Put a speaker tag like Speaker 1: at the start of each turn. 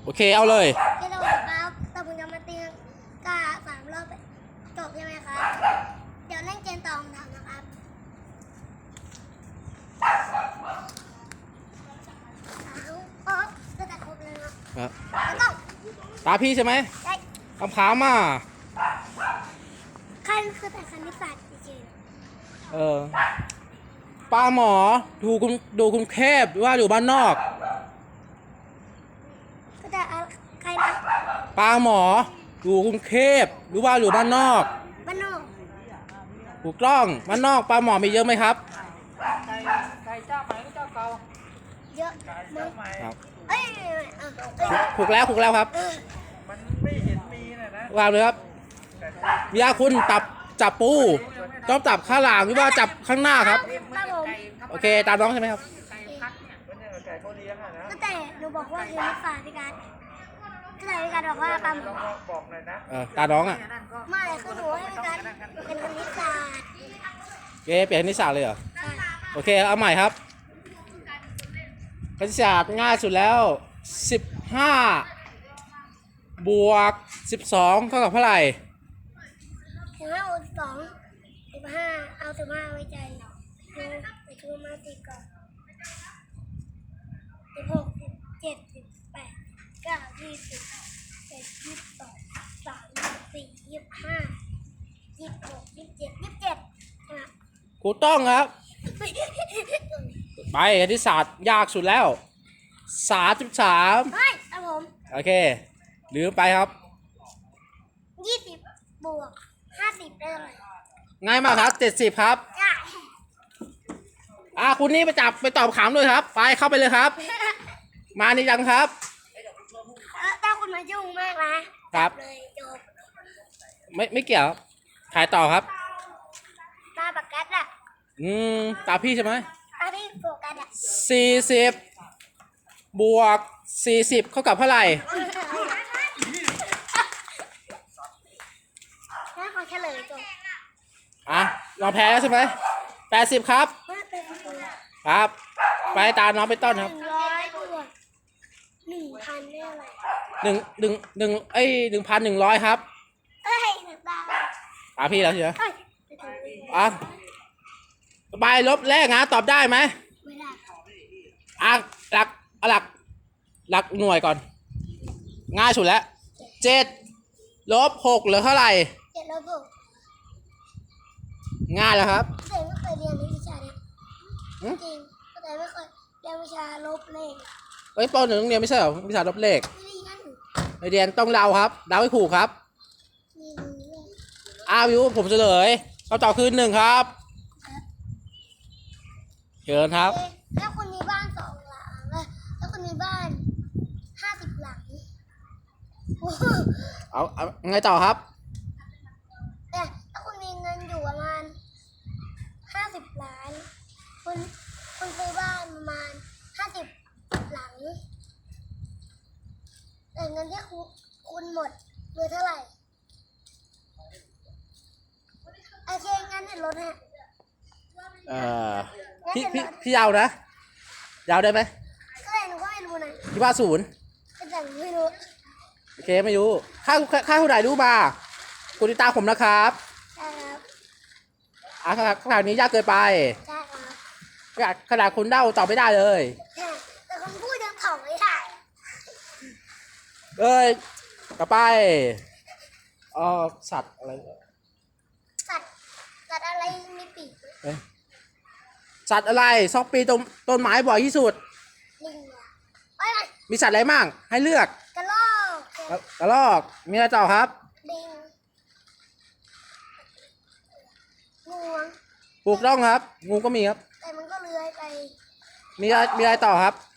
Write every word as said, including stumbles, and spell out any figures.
Speaker 1: โอเคเอาเลย
Speaker 2: ที่เราครับแต่ผมจะมาตีกาสามรอบจบใช่ไหมครับเดี๋ยวเล่นเกมต่อผมทำนะครับสามก็จะครบเลยนะครับแล้วก็
Speaker 1: ตาพี่ใช่ไหม
Speaker 2: ได้
Speaker 1: คำถามอ่ะ
Speaker 2: ขั้นคือแต่คณิตศาสตร์จริง
Speaker 1: ๆเออปลาหมอดูคุณดูคุณเทพหรือว่าอยู่บ้านนอก
Speaker 2: ก็จะใครนะ
Speaker 1: ปลาหมออยู่กรุงเทพหรือว่าอยู่บ้านนอก
Speaker 2: บ้านนอก
Speaker 1: ถูกต้องบ้านนอกปลาหมอมีเยอะไหมครับ
Speaker 3: ไก่ไก่เจ้าใหม่หรือเจ้าเก่า
Speaker 2: เยอะ
Speaker 3: ไก่
Speaker 2: มั้
Speaker 3: เจ้าง ใหม่
Speaker 1: ครับ
Speaker 2: เอ้ย
Speaker 1: ถูกแล้วถูกแล้วครับ
Speaker 3: มันไม่เห็นมีนะนะ
Speaker 1: วางเลยครับวิยาคุณจับจับปูต้องจับข้างหลังหรือว่าจับข้างหน้าครับโอเคตามน้องใช่ไหมครับ
Speaker 3: ไก่พักเนี่ยมันเนี่ยไก่เขาเลี้ยงอะนะ
Speaker 2: ก็แต่หนูบอกว่าคณิตศาสตร์พี่การก็แต่พี่การบอกว่าปลาหมอ
Speaker 3: บอกหน่อยนะ
Speaker 1: เออตาน้องอ่ะ
Speaker 2: ไม่คือหนูให้พี่การเป็นคณิตศาสตร์
Speaker 1: เอ๊ะเปลี่ยนคณิตศาสตร์เลยเหรอโอเคเอาใหม่ครับคณิตศาสตร์ง่ายสุดแล้วสิบห้าบวกสิบสองเท่ากับเท่าไหร่
Speaker 2: สิบห้าบวกสองสิบห้าเอาสิบห้าไว้ใจดูไปดูมาสิก่อนสิบหกสิบเจ็ดสิบแปดเก้ายี่สิบเจ็ดยี่สิบสองสามยี่สิบสี่ยี่สิบห้ายี่สิบหกยี่สิบเจ็ดยี่สิบเจ็ด
Speaker 1: ถูกต้องครับไปคณิตศาสตร์ยากสุดแล้วสามสิบสาม
Speaker 2: ไม่ครับผม
Speaker 1: โอเคลืมไปครับ
Speaker 2: ยี่สิบบวกห้าสิบได้เลย
Speaker 1: ง่ายมากครับเจ็ดสิบครับอ่าคุณนี่ไปจับไปตอบขำด้วยครับไปเข้าไปเลยครับมานี่ยังครับ
Speaker 2: ถ้าคุณมายุ่งมากนะครับเลยจบ
Speaker 1: ไม่ไม่เกี่ยวถ่ายต่อครับ
Speaker 2: ตาปากกัดอ่ะ
Speaker 1: อืมตาพี่ใช่ไหม
Speaker 2: ตาพี่โฟกัสอ่ะ
Speaker 1: สี่สิบบวกสี่สิบเท่ากับเท่าไหร่
Speaker 2: ถ้าขอเฉลยจบ
Speaker 1: อ่ะลองแพ้แล้วใช่ไหมแปดสิบครับครับไปตาน้องไปต้นครับ
Speaker 2: หนึ่งร้อยบวกหนึ่งพันได้อะไร
Speaker 1: หนึ่งหนึ่งหนึ่งเอ้ยหนึ่งพันหนึ่งร้อยครับ
Speaker 2: เอ้ยหนึ่งตา
Speaker 1: ตาพี่แล้วใช่ไหม
Speaker 2: เอ้ย
Speaker 1: อ่ะใบลบแรกนะตอบได้ไหม
Speaker 2: ไม่ได้
Speaker 1: อ่ะหลักหลักหลักหน่วยก่อนง่ายสุดแล้วเจ็ดลบหกเหลือเท่าไหร่
Speaker 2: เจ็ดลบหก
Speaker 1: ง่ายแล้วครับ
Speaker 2: แต่ไม่เคยเรียนวิชาเนี้ยจริงแต่ไม่เคยเรียนวิชาลบเลข
Speaker 1: เฮ้ยปหนึ่งเรียนไม่ใช่เหรอวิชาลบเลข
Speaker 2: ไม่
Speaker 1: เรียนต้องเดาครับเดาให้ถูกครับอาวิวผมเฉลยคำตอบคือหนึ่งครับเชิญครับ
Speaker 2: ถ้าคุณมีบ้านสองหลังถ้าคุณมีบ้านห้าสิบหลัง
Speaker 1: เอาเอาไงต่อครับ
Speaker 2: แต่ถ้าคุณมีเงินอยู่ประมาณห้าสิบล้านคุณคุณซื้อบ้านประมาณห้าสิบหลังแต่เงินที่คุณคุณหมดเหลือเท่าไหร่โอเคงั้นเดี๋ยวลดฮะ
Speaker 1: เอ่อพี่พี่พี่ยาวนะยาวได้ไหม
Speaker 2: ก็เลยหนูก็ไม่รู้นะ
Speaker 1: พี่ว่าศูนย์
Speaker 2: แต่หนูไม่รู้
Speaker 1: โอเคไม่รู้ค่าค่าเท่าไหร่รู้มาคุณติดตามผมนะครับ
Speaker 2: ใช่ครับ
Speaker 1: อ่ะขนาดขนาดนี้ยากเกินไป
Speaker 2: ใช่ครับ
Speaker 1: ขนาดขนาดคุณเดาตอบไม่ได้เลย
Speaker 2: แต่คนพูดยังถ่องไม่ได้
Speaker 1: เอ้ยต่อไปอ๋อสัตว์อะไร
Speaker 2: สัตว์สัตว์อะไรมีปีก
Speaker 1: สัตว์อะไรซอกปีต้นต้นไม้บ่อยที่สุด
Speaker 2: ลิงเอ้ย
Speaker 1: มีสัตว์อะไรมั่งให้เลือก
Speaker 2: กระรอก
Speaker 1: กระรอกมีอะไรต่อครับ
Speaker 2: ลิงงู
Speaker 1: ถูกต้องครับงูก็มีครับ
Speaker 2: แต่มันก็เลื้อยไป
Speaker 1: มีอะไรมีอะไรต่อครับ